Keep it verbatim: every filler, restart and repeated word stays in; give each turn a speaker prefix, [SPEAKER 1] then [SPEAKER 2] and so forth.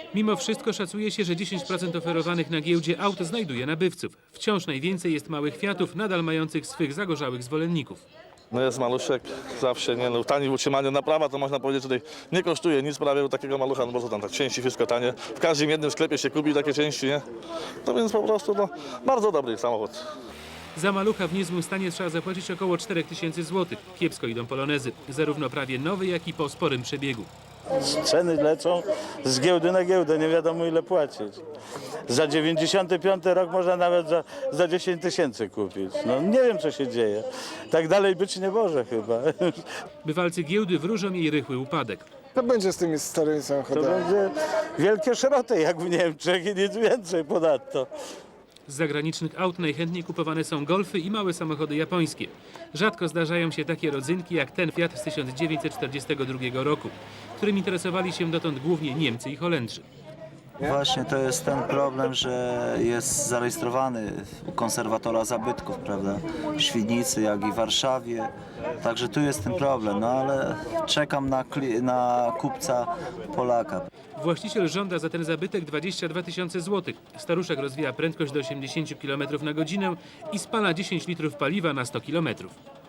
[SPEAKER 1] Mimo wszystko szacuje się, że dziesięć procent oferowanych na giełdzie aut znajduje nabywców. Wciąż najwięcej jest małych Fiatów, nadal mających swych zagorzałych zwolenników.
[SPEAKER 2] No jest maluszek, zawsze nie, no tani w utrzymaniu, naprawa to można powiedzieć tutaj nie kosztuje nic prawie u takiego malucha, no bo co tam, tak części wszystko tanie. W każdym jednym sklepie się kupi takie części, nie? No więc po prostu no, bardzo dobry samochód.
[SPEAKER 1] Za malucha w niezłym stanie trzeba zapłacić około cztery tysiące złotych. Kiepsko idą polonezy, zarówno prawie nowy, jak i po sporym przebiegu.
[SPEAKER 3] Ceny lecą z giełdy na giełdę, nie wiadomo ile płacić. Za dziewięćdziesiąty piąty rok można nawet za, za dziesięć tysięcy kupić. No nie wiem co się dzieje. Tak dalej być nie może chyba.
[SPEAKER 1] Bywalcy giełdy wróżą jej rychły upadek.
[SPEAKER 4] Co będzie z tymi starymi
[SPEAKER 3] To
[SPEAKER 4] samochodami?
[SPEAKER 3] będzie wielkie szroty jak w Niemczech i nic więcej ponadto.
[SPEAKER 1] Z zagranicznych aut najchętniej kupowane są golfy i małe samochody japońskie. Rzadko zdarzają się takie rodzynki jak ten Fiat z tysiąc dziewięćset czterdziestego drugiego roku, którym interesowali się dotąd głównie Niemcy i Holendrzy.
[SPEAKER 5] Właśnie to jest ten problem, że jest zarejestrowany u konserwatora zabytków, prawda? W Świdnicy, jak i w Warszawie. Także tu jest ten problem, no ale czekam na, kli- na kupca Polaka.
[SPEAKER 1] Właściciel żąda za ten zabytek dwadzieścia dwa tysiące złotych. Staruszek rozwija prędkość do osiemdziesięciu kilometrów na godzinę i spala dziesięć litrów paliwa na sto kilometrów.